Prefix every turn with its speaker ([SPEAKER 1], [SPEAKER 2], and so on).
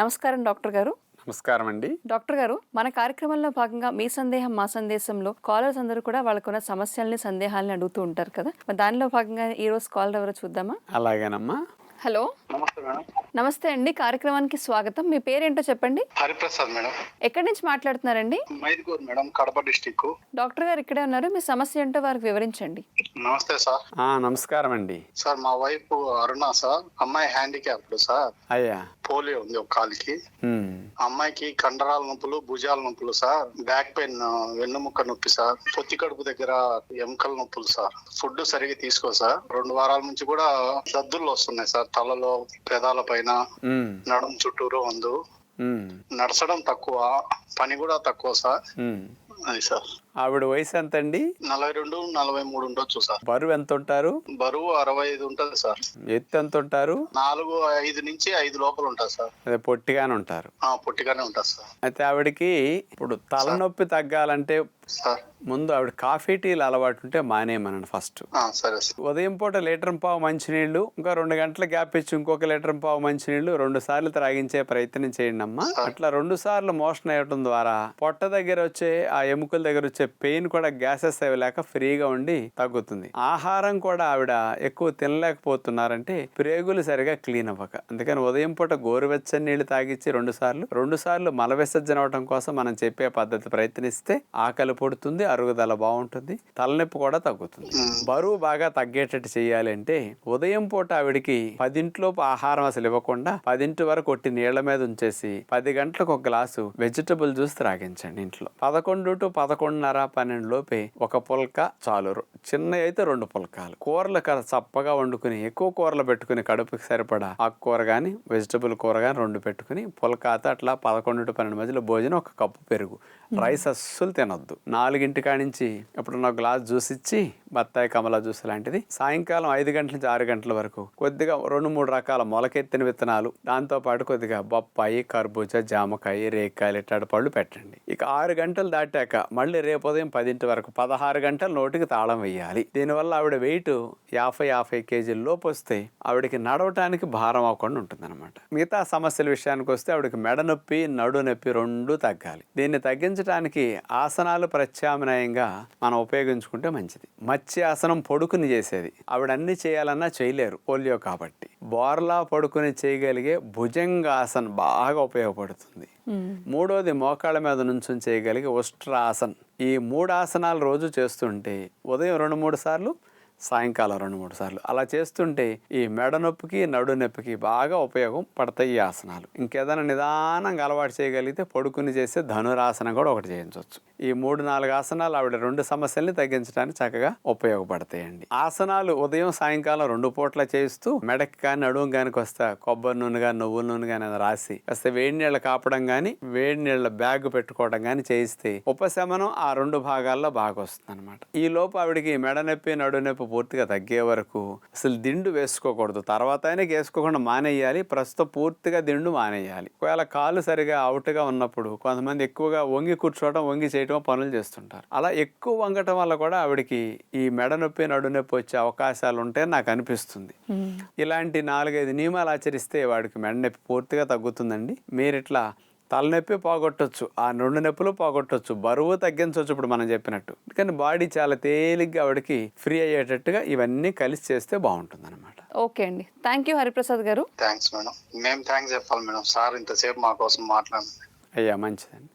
[SPEAKER 1] నమస్కారం డాక్టర్ గారు.
[SPEAKER 2] నమస్కారం అండి.
[SPEAKER 1] డాక్టర్ గారు, మన కార్యక్రమంలో భాగంగా మీ సందేహం మా సందేశంలో కాలర్స్ అందరూ కూడా వాళ్ళకున్న సమస్యల్ని, సందేహాలని అడుగుతూ ఉంటారు కదా. మరి దానిలో భాగంగా ఈ రోజు కాలర్ ఎవరో చూద్దామా?
[SPEAKER 2] అలాగేనమ్మా.
[SPEAKER 1] హలో,
[SPEAKER 3] నమస్తే మేడం.
[SPEAKER 1] నమస్తే అండి. కార్యక్రమానికి స్వాగతం. మీ పేరేంటో చెప్పండి.
[SPEAKER 3] హరిప్రసాద్ మేడం.
[SPEAKER 1] ఎక్కడి నుంచి మాట్లాడుతున్నారండి?
[SPEAKER 3] Mydukur madam, Kadapa district.
[SPEAKER 1] Doctor గారు ఇక్కడే ఉన్నారు. మీ సమస్య ఏంటో వారికి వివరించండి.
[SPEAKER 3] నమస్తే సార్.
[SPEAKER 2] నమస్కారం అండి.
[SPEAKER 3] సార్ మా వైఫ్ అరుణ సార్, అమ్మాయి హ్యాండిక్యాప్డ్ సార్.
[SPEAKER 2] అయ్యా.
[SPEAKER 3] పోలియో ఉంది ఒక కాలికి. అమ్మాయికి కండరాల నొప్పులు, భుజాల నొప్పులు సార్, బ్యాక్ పెయిన్, వెన్నుముక్క నొప్పి సార్, పొత్తి కడుపు దగ్గర ఎముకల నొప్పులు సార్. ఫుడ్ సరిగా తీసుకో సార్. 2 వారాల నుంచి కూడా దద్దుర్లు వస్తున్నాయి సార్, తలలో, పెదాల పైన, నడుము చుట్టూరు వందు. నడచడం తక్కువ, పని కూడా తక్కువ సార్. అది సార్.
[SPEAKER 2] ఆవిడ వయసు ఎంత అండి?
[SPEAKER 3] 42, 43 ఉండొచ్చు సార్.
[SPEAKER 2] బరువు ఎంత ఉంటారు?
[SPEAKER 3] బరువు 65 ఉంటది సార్.
[SPEAKER 2] ఎత్తు ఎంత ఉంటారు?
[SPEAKER 3] 4'5" నుంచి 5 లోపల ఉంటుంది సార్.
[SPEAKER 2] అదే పొట్టిగానే ఉంటారు.
[SPEAKER 3] పొట్టిగానే ఉంటుంది సార్.
[SPEAKER 2] అయితే ఆవిడకి ఇప్పుడు తలనొప్పి తగ్గాలంటే
[SPEAKER 3] సార్
[SPEAKER 2] ముందు ఆవిడ కాఫీ టీలు అలవాటు ఉంటే మానేయమనండి ఫస్ట్.
[SPEAKER 3] సరే సార్.
[SPEAKER 2] ఉదయం పూట 1.5 లీటర్ మంచినీళ్లు, ఇంకా 2 గంటల గ్యాప్ ఇచ్చి ఇంకొక 1.5 లీటర్ మంచినీళ్లు 2 సార్లు త్రాగించే ప్రయత్నం చేయండి అమ్మా. అట్లా 2 సార్లు మోషన్ అయ్యటం ద్వారా పొట్ట దగ్గర వచ్చే ఆ ఎముకల దగ్గర వచ్చే పెయిన్ కూడా, గ్యాసెస్ అవి లేక ఫ్రీగా ఉండి తగ్గుతుంది. ఆహారం కూడా ఆవిడ ఎక్కువ తినలేకపోతున్నారంటే ప్రేగులు సరిగా క్లీన్ అవ్వక. అందుకని ఉదయం పూట గోరువెచ్చని నీళ్లు తాగిచ్చి 2 సార్లు మల విసర్జన అవడం కోసం మనం చెప్పే పద్ధతి ప్రయత్నిస్తే ఆకలి పొడుతుంది, అరుగుదల బాగుంటుంది, తలనొప్పి కూడా తగ్గుతుంది. బరువు బాగా తగ్గేటట్టు చేయాలి అంటే ఉదయం పూట ఆవిడికి 10 ఆహారం అసలు ఇవ్వకుండా 10 వరకు కొట్టి నీళ్ల మీద ఉంచేసి 10 గంటలకు ఒక గ్లాసు వెజిటబుల్ జ్యూస్ త్రాగించండి ఇంట్లో. 11 to 11:30, 12 లోపే ఒక పుల్క చాలు. చిన్న అయితే 2 పుల్కాలు. కూరలు చప్పగా వండుకుని ఎక్కువ కూరలు పెట్టుకుని కడుపుకి సరిపడా ఆకుకూర గాని, వెజిటబుల్ కూర గాని 2 పెట్టుకుని పుల్కాతో అట్లా 11 to 12 మధ్యలో భోజనం, 1 కప్పు పెరుగు. రైస్ అస్సలు తినొద్దు. 4 కానించి ఎప్పుడున్న గ్లాస్ జ్యూస్ ఇచ్చి, బత్తాయి, కమలా జ్యూస్ లాంటిది. సాయంకాలం 5 గంటల నుంచి 6 గంటల వరకు కొద్దిగా 2-3 రకాల మొలకెత్తిన విత్తనాలు, దాంతో పాటు కొద్దిగా బొప్పాయి, కర్బూజా, జామకాయ, రేకాయలు ఇట్లాంటి పళ్ళు పెట్టండి. ఇక 6 గంటలు దాటాక మళ్ళీ రేపు ఉదయం 10 వరకు 16 గంటల నోటికి తాళం వేయాలి. దీనివల్ల ఆవిడ వెయిట్ 50 కేజీల లోపు వస్తే ఆవిడకి నడవటానికి భారం అవ్వకుండా ఉంటుంది అనమాట. మిగతా సమస్యల విషయానికి వస్తే ఆవిడకి మెడ నొప్పి, నడు నొప్పి 2 తగ్గాలి. దీన్ని తగ్గించడానికి ఆసనాలు ప్రత్యామ్నాయంగా మనం ఉపయోగించుకుంటే మంచిది. మత్స్యాసనం పొడుకుని చేసేది. ఆవిడ అన్ని చేయాలన్నా చేయలేరు, పోలియో కాబట్టి. బోర్లా పడుకుని చేయగలిగే భుజంగాసన్ బాగా ఉపయోగపడుతుంది. 3వది మోకాళ్ళ మీద నుంచి చేయగలిగే ఉష్ట్రాసన్. ఈ 3 ఆసనాలు రోజు చేస్తుంటే ఉదయం 2-3 సార్లు, సాయంకాలం 2-3 సార్లు అలా చేస్తుంటే ఈ మెడ నొప్పికి, నడు నొప్పికి బాగా ఉపయోగం పడతాయి ఈ ఆసనాలు. ఇంకేదైనా నిదానంగా అలవాటు చేయగలిగితే పడుకుని చేసే ధనురాసనం కూడా ఒకటి చేయించవచ్చు. ఈ 3-4 ఆసనాలు ఆవిడ 2 సమస్యల్ని తగ్గించడానికి చక్కగా ఉపయోగపడతాయండి. ఆసనాలు ఉదయం, సాయంకాలం 2 పూట్ల చేయిస్తూ మెడకి కానీ, నడుము కానీ వస్తే కొబ్బరి నూనె కానీ, నువ్వుల నూనె కానీ రాసి కాస్త వేడి నీళ్ళ కాపడం కానీ, వేడి నీళ్ళ బ్యాగ్ పెట్టుకోవడం కానీ చేయిస్తే ఉపశమనం ఆ 2 భాగాల్లో బాగా వస్తుంది అనమాట. ఈ లోపు ఆవిడికి మెడ నొప్పి, నడు నొప్పి పూర్తిగా తగ్గే వరకు అసలు దిండు వేసుకోకూడదు. తర్వాత అయినా వేసుకోకుండా మానేయాలి. ప్రస్తుతం పూర్తిగా దిండు మానేయాలి. ఒకవేళ కాలు సరిగా అవుట్గా ఉన్నప్పుడు కొంతమంది ఎక్కువగా వంగి కూర్చోవడం, వంగి చేయడం పనులు చేస్తుంటారు. అలా ఎక్కువ వంగటం వల్ల కూడా ఆవిడకి ఈ మెడ నొప్పి, నడు నొప్పి వచ్చే అవకాశాలు ఉంటాయని నాకు అనిపిస్తుంది. ఇలాంటి 4-5 నియమాలు ఆచరిస్తే వాడికి మెడ నొప్పి పూర్తిగా తగ్గుతుందండి. మీరు ఇట్లా తలనొప్పి పోగొట్టొచ్చు, ఆ 2 నొప్పులు పోగొట్టొచ్చు, బరువు తగ్గించవచ్చు ఇప్పుడు మనం చెప్పినట్టు. కానీ బాడీ చాలా తేలిగ్గా ఆవిడకి ఫ్రీ అయ్యేటట్టుగా ఇవన్నీ కలిసి చేస్తే బాగుంటుంది అనమాట.
[SPEAKER 1] ఓకే అండి. థ్యాంక్ యూ హరిప్రసాద్ గారు.
[SPEAKER 3] Thanks madam. మేము థ్యాంక్స్ చెప్పాలి మేడం. సార్ ఇంతసేపు మా కోసం మాట్లాడండి.
[SPEAKER 2] అయ్యా, మంచిదండి.